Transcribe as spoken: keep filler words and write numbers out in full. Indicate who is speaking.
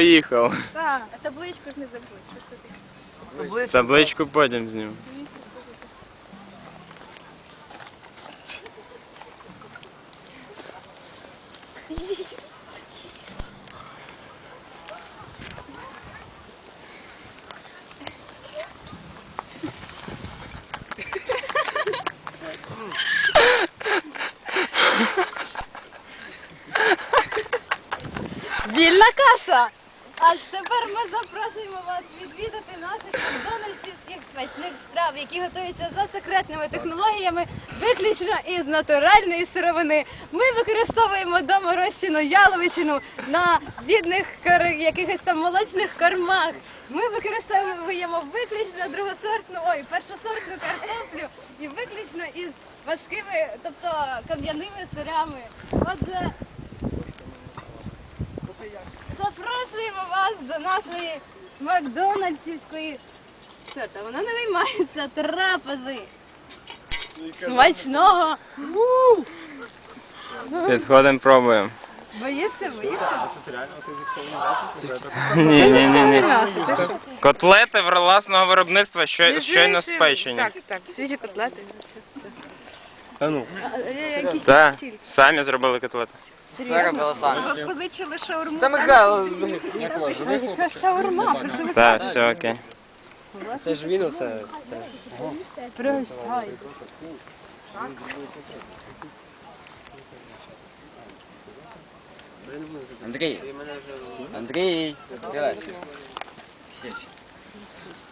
Speaker 1: поїхав.
Speaker 2: Так. А табличку ж не забудь. Що ж ти таке?
Speaker 1: Табличку потім зніму.
Speaker 2: Вільна каса! А тепер ми запрошуємо вас відвідати наших макдональдсівських смачних страв, які готуються за секретними технологіями виключно із натуральної сировини. Ми використовуємо доморощену яловичину на бідних кар- якихось там молочних кормах. Ми використовуємо виключно другосортну, ой, першосортну картоплю і виключно із важкими, тобто кам'яними сирами. Отже, запрошуємо вас до нашої макдональдсівської, чорта, вона не виймається, трапези. Смачного!
Speaker 1: Підходимо, пробуємо.
Speaker 2: Боїшся, боїшся?
Speaker 1: Ні, ні, ні, ні.
Speaker 2: М'ясо, ти що?
Speaker 1: Котлети власного виробництва, що- щойно спечені.
Speaker 2: Так, так, свіжі котлети.
Speaker 1: Та ну.
Speaker 2: Якісь
Speaker 1: Так, самі зробили котлети.
Speaker 3: Все робили самі.
Speaker 2: Ви позичили шаурму.
Speaker 3: Та Михайло,
Speaker 2: Яка шаурма, прошу ви.
Speaker 1: Так, все окей.
Speaker 3: це ж він оце.
Speaker 2: Пригощай.
Speaker 3: Андрій. Андрій. Сідай.